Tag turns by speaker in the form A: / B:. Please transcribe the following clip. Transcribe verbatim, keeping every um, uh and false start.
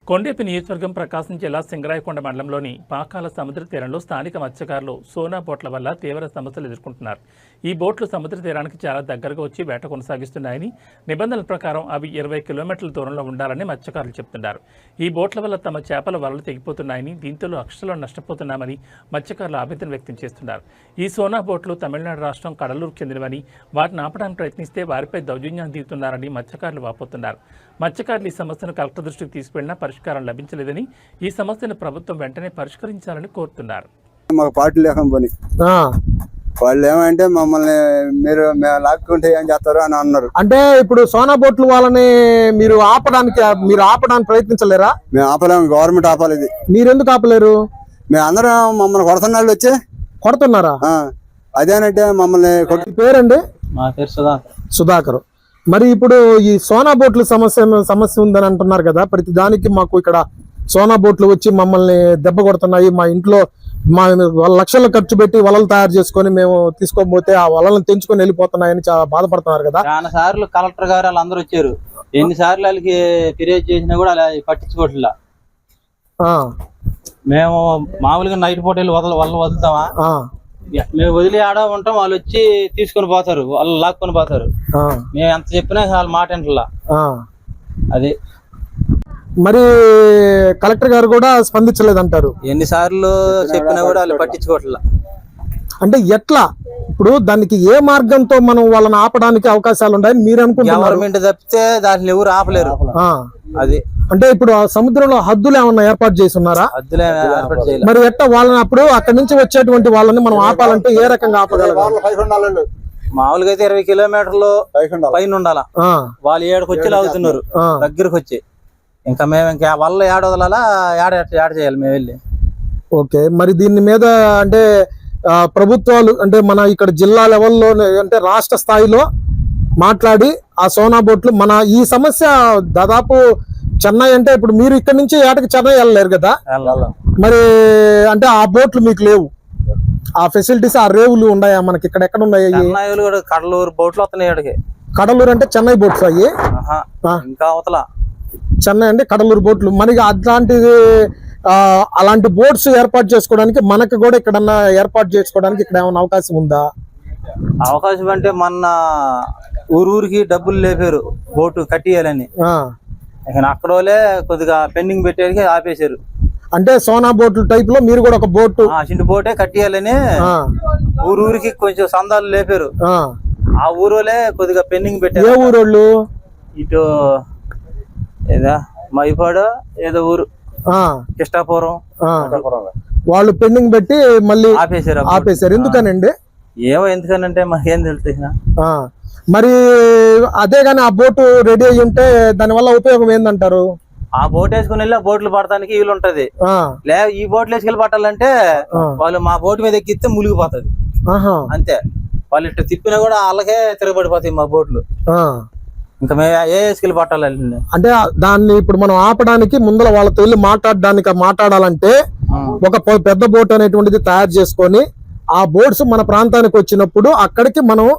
A: కొండేపి నియోజకవర్గం ప్రకాశం జిల్లా సింగరాయకొండ మండలంలోని పాకాల సముద్ర తీరంలో స్థానిక మత్స్యకారులు సోనా బోట్ల వల్ల తీవ్ర సమస్యలు ఎదుర్కొంటున్నారు. ఈ బోట్లు సముద్ర తీరానికి చాలా దగ్గరగా వచ్చి వేట కొనసాగిస్తున్నాయని, నిబంధనల ప్రకారం అవి ఇరవై కిలోమీటర్ల దూరంలో ఉండాలని మత్స్యకారులు చెబుతున్నారు. ఈ బోట్ల వల్ల తమ చేపల వలలు తెగిపోతున్నాయని, దీంతో అక్షరాలు నష్టపోతున్నామని మత్స్యకారులు ఆవేదన వ్యక్తం చేస్తున్నారు. ఈ సోనా బోట్లు తమిళనాడు రాష్ట్రం కడలూరు చెందినవని, వాటిని ఆపడానికి ప్రయత్నిస్తే వారిపై దౌర్జన్యం దిగుతున్నారని మత్స్యకారులు వాపోతున్నారు. మత్స్యకారులు ఈ సమస్యను కలెక్టర్ దృష్టికి తీసుకెళ్లినా పరిష్కారం లభించలేదని, ఈ సమస్యను ప్రభుత్వం వెంటనే పరిష్కరించాలని కోరుతున్నారు.
B: మాకు పార్టీ లేక పని వాళ్ళు ఏమంటే మమ్మల్ని మీరు లాక్కుంటే ఏం చేస్తారు అని అన్నారు.
C: అంటే ఇప్పుడు సోనా బోట్లు వాళ్ళని మీరు ఆపడానికి మీరు ఆపడానికి ప్రయత్నించలేరా?
B: మేము ఆపలేము, గవర్నమెంట్ ఆపాలి. ఇది
C: మీరెందుకు ఆపలేరు?
B: మేము అందరం మమ్మల్ని కొడుతున్నాళ్ళు వచ్చి
C: కొడుతున్నారా?
B: అదేనంటే మమ్మల్ని కొట్టి.
C: పేరండి?
D: మా పేరు సుధాకర్.
C: సుధాకర్. మరి ఇప్పుడు ఈ సోనా బోట్ల సమస్య సమస్య ఉందని అంటున్నారు కదా, ప్రతి దానికి మాకు ఇక్కడ సోనా బోట్లు వచ్చి మమ్మల్ని దెబ్బ కొడుతున్నాయి, మా ఇంట్లో మా లక్షలు ఖర్చు పెట్టి వలలు తయారు చేసుకొని మేము తీసుకోకపోతే ఆ వలలను తెంచుకొని వెళ్ళిపోతున్నాయని చాలా బాధపడుతున్నారు కదా.
D: చాలా సార్లు కలెక్టర్ గారు వాళ్ళందరూ వచ్చారు, ఎన్ని సార్లు వాళ్ళకి ఫిర్యాదు చేసినా కూడా అలా పట్టించుకోవట్లా. మేము మామూలుగా నైట్ పూట వెళ్ళి వదల వల్ల వదులుతామా, మేము వదిలి ఆడ ఉంటాం, వాళ్ళు వచ్చి తీసుకొని పోతారు, వాళ్ళు లాక్కొని పోతారు. మేము ఎంత చెప్పినా వాళ్ళ మాట వింటలా. అది
C: మరి కలెక్టర్ గారు కూడా స్పందించలేదంటారు.
D: ఎన్నిసార్లు చెప్పినా కూడా వాళ్ళు పట్టించుకోవట్లా.
C: అంటే ఎట్లా ఇప్పుడు దానికి ఏ మార్గంతో మనం వాళ్ళని ఆపడానికి అవకాశాలు ఉన్నాయని మీరు అనుకుంటున్నారు?
D: గవర్నమెంట్ తప్పితే దాన్ని ఎవరు ఆపలేరు. అది
C: అంటే ఇప్పుడు ఆ సముద్రంలో హద్దులు ఏమన్నా ఏర్పాటు చేసి ఉన్నారా?
D: హద్దులు ఏర్పాటు చేయాలి.
C: మరి ఎట్లా వాళ్ళని అప్పుడు అక్కడి నుంచి వచ్చేటువంటి వాళ్ళని మనం ఆపాలంటే ఏ రకంగా ఆపగలగాలి?
D: మామూలుగా అయితే ఇరవై కిలోమీటర్లు పైన ఉండాలా, వాళ్ళు ఏడకి వచ్చి లాగుతున్నారు దగ్గరకు వచ్చి. ఇంకా మేము ఇంకా వల్ల ఏడ వదలాలా, ఏడ ఏడ చేయాలి మేము వెళ్ళి.
C: ఓకే, మరి దీని మీద అంటే ప్రభుత్వాలు అంటే మన ఇక్కడ జిల్లా లెవెల్లో అంటే రాష్ట్ర స్థాయిలో మాట్లాడి ఆ సోనా బోట్లు మన ఈ సమస్య దాదాపు చెన్నై అంటే ఇప్పుడు మీరు ఇక్కడ నుంచి ఏటకి చెన్నై వెళ్ళలేరు కదా, మరి అంటే ఆ బోట్లు మీకు లేవు, ఆ ఫెసిలిటీస్ ఆ రేవులు ఉన్నాయా మనకి ఇక్కడ? ఎక్కడ ఉన్నాయి?
D: కడలూరు బోట్లు వస్తున్నాయి.
C: కడలూరు అంటే చెన్నై బోట్స్ అయ్యి,
D: ఇంకా అవతల
C: చెన్నై అంటే కడలూరు బోట్లు. మనకి అట్లాంటిది అలాంటి బోట్స్ ఏర్పాటు చేసుకోవడానికి మనకు కూడా ఎక్కడన్నా ఏర్పాటు చేసుకోవడానికి ఇక్కడ ఏమైనా అవకాశం ఉందా?
D: అవకాశం అంటే మొన్న ఊరూరికి డబ్బులు లేపారు బోటు కట్టియాలని, అక్కడ వాళ్ళే కొద్దిగా పెండింగ్ పెట్టేది ఆపేశారు.
C: అంటే సోనా బోట్లు టైప్ లో మీరు కూడా ఒక బోటు
D: చిన్న బోటే కట్టియాలని ఊరూరికి కొంచెం సందాలు లేపారు. ఆ ఊరోలే కొద్దిగా పెండింగ్ పెట్టారు.
C: ఏ ఊరోళ్ళు?
D: ఇటు ఏదా మైపాడు ఏదో ఊరు, కృష్ణాపురం,
C: వాళ్ళు పెండింగ్ పెట్టి మళ్ళీ
D: ఆపేశారు
C: ఆపేశారు ఎందుకనండి?
D: ఏమో ఎందుకనంటే మాకేం తెలుసు.
C: మరి అదే గాని ఆ బోటు రెడీ అయ్యి ఉంటే దాని వల్ల ఉపయోగం ఏందంటారు?
D: ఆ బోట్ వేసుకుని వెళ్ళి ఆ బోట్లు పడటానికి వీలు ఉంటది. లే ఈ బోట్లు వేసుకెళ్ళి పట్టాలంటే వాళ్ళు మా బోటు మీద ఎక్కిస్తే మునిగిపోతుంది అంతే. వాళ్ళు ఇట్లా తిప్పినా కూడా వాళ్ళకే తిరగబడిపోతాయి మా బోట్లు. ఇంకా మేము ఏ వేసుకెళ్ళి పట్టాలి
C: అంటే దాన్ని ఇప్పుడు మనం ఆపడానికి ముందర వాళ్ళతో వెళ్ళి మాట్లాడడానికి మాట్లాడాలంటే ఒక పెద్ద బోట్ అనేటువంటిది తయారు చేసుకొని ఆ బోట్స్ మన ప్రాంతానికి వచ్చినప్పుడు అక్కడికి మనం